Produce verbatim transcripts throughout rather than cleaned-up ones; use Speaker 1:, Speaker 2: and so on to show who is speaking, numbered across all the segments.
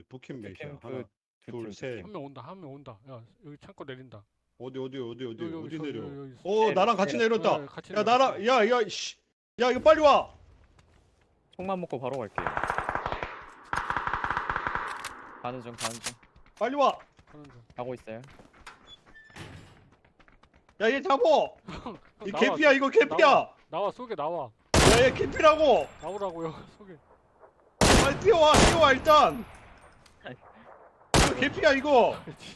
Speaker 1: 북캠 몇이야?
Speaker 2: 캠프
Speaker 1: 하나,
Speaker 2: 두
Speaker 1: 둘,
Speaker 2: 팀,
Speaker 1: 셋.
Speaker 3: 한 명 온다 한 명 온다. 야 여기 창고 내린다.
Speaker 1: 어디 어디 어디 어디
Speaker 3: 여기, 여기,
Speaker 1: 어디
Speaker 3: 저기,
Speaker 1: 내려?
Speaker 3: 여기, 여기 있어.
Speaker 1: 어
Speaker 2: 셋,
Speaker 1: 나랑 같이
Speaker 2: 셋.
Speaker 1: 내렸다.
Speaker 3: 네, 같이
Speaker 1: 야
Speaker 3: 내려,
Speaker 1: 나랑
Speaker 3: 같이
Speaker 1: 야야 씨. 야 이거 빨리 와.
Speaker 2: 총만 먹고 바로 갈게요. 가는 중 가는 중
Speaker 1: 빨리 와.
Speaker 3: 가는 중.
Speaker 2: 가고 있어요.
Speaker 1: 야 얘 잡어.
Speaker 3: 형,
Speaker 1: 이
Speaker 3: 나와,
Speaker 1: 개피야 이거 개피야.
Speaker 3: 나와. 나와 속에 나와.
Speaker 1: 야얘 개피라고.
Speaker 3: 나오라고요 속에.
Speaker 1: 빨리 뛰어와 뛰어와 일단. 이거 개피야 이거.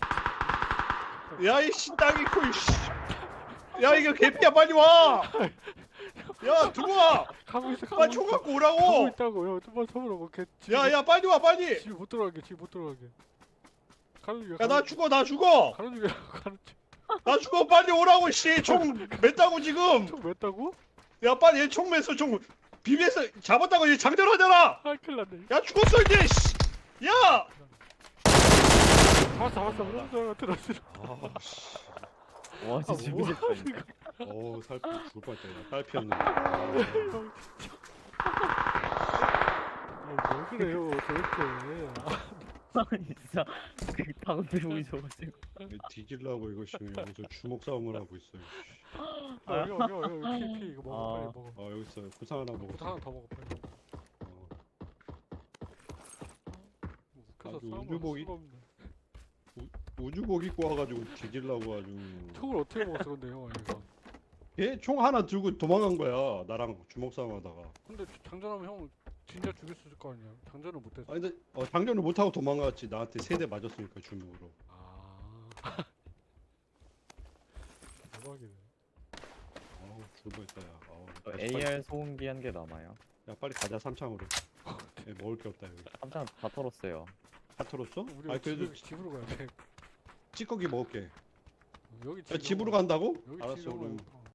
Speaker 1: 야이 신당이 코 씨. 야 이거 개피야 빨리 와. 야 들어와.
Speaker 3: 가고 있어 가고
Speaker 1: 빨리
Speaker 3: 있어.
Speaker 1: 총 갖고
Speaker 3: 가고
Speaker 1: 오라고.
Speaker 3: 있다고. 형 좀만 서보라고. 걔 집에
Speaker 1: 야 야 빨리 와 빨리.
Speaker 3: 집에 못 들어가게 집에 못 들어가게. 가는 중이야.
Speaker 1: 야 나
Speaker 3: 가는
Speaker 1: 죽어 나 죽어.
Speaker 3: 가는 중이야 가는 중.
Speaker 1: 나 죽어 빨리 오라고 씨. 총 맸다고 지금.
Speaker 3: 총 맸다고?
Speaker 1: 야 빨리 얘 총 맸어 총 비비에서 잡았다고 얘 장전하잖아.
Speaker 3: 아 큰일 났네.
Speaker 1: 야 죽었어 이제 씨. 야.
Speaker 3: 잡았어 잡았어. 그런 줄 알고 들었어.
Speaker 1: 아 씨.
Speaker 2: 와
Speaker 3: 아,
Speaker 2: 진짜
Speaker 3: 뭐
Speaker 2: 미쳤다.
Speaker 3: 하는 거야.
Speaker 1: 어우 살 죽을 뻔했다 야 딸피였는데.
Speaker 3: 형 진짜. 아, 왜 그래요 도대체.
Speaker 2: 아니 진짜 그 당대 보이셔가지고.
Speaker 1: 뒤질라고 이거 지금 여기서 주먹 싸움을 하고 있어요.
Speaker 3: 아, 여기 여기 여기 여기 피, 피 이거 먹어
Speaker 2: 아.
Speaker 3: 빨리 먹어.
Speaker 1: 아 여기 있어요. 구상 하나
Speaker 3: 부터
Speaker 1: 먹었어.
Speaker 3: 하나 더 먹어 빨리.
Speaker 1: 어.
Speaker 3: 그래서
Speaker 1: 아주
Speaker 3: 싸움을
Speaker 1: 우주복이-
Speaker 3: 수가 없네.
Speaker 1: 우주복 입고 와가지고 뒤질라고 아주.
Speaker 3: 총을 어떻게 먹었어 근데 형 이거.
Speaker 1: 얘 총 하나 들고 도망간 거야. 나랑 주먹 싸움하다가.
Speaker 3: 근데 장전하면 형 진짜 죽일 수 있을 거 아니야. 장전을 못했어.
Speaker 1: 아 근데 어, 장전을 못 하고 도망갔지. 나한테 세 대 맞았으니까 주먹으로.
Speaker 3: 아. 대박이네.
Speaker 1: 아우 죽을 뻔했다 야. 아우.
Speaker 2: 저
Speaker 1: 야, 빨리-
Speaker 2: 에이알 소음기 한 개 남아요.
Speaker 1: 야 빨리 가자 삼창으로. 얘 먹을 게 없다 여기.
Speaker 2: 깜짝 다 털었어요.
Speaker 1: 다 털었어?
Speaker 3: 우리
Speaker 1: 아 그래도
Speaker 3: 집, 집으로 가야 돼.
Speaker 1: 찌꺼기 먹을게.
Speaker 3: 여기
Speaker 1: 야, 집으로 간다고?
Speaker 3: 여기
Speaker 1: 알았어
Speaker 3: 집으로
Speaker 1: 그럼.
Speaker 3: 가야 돼.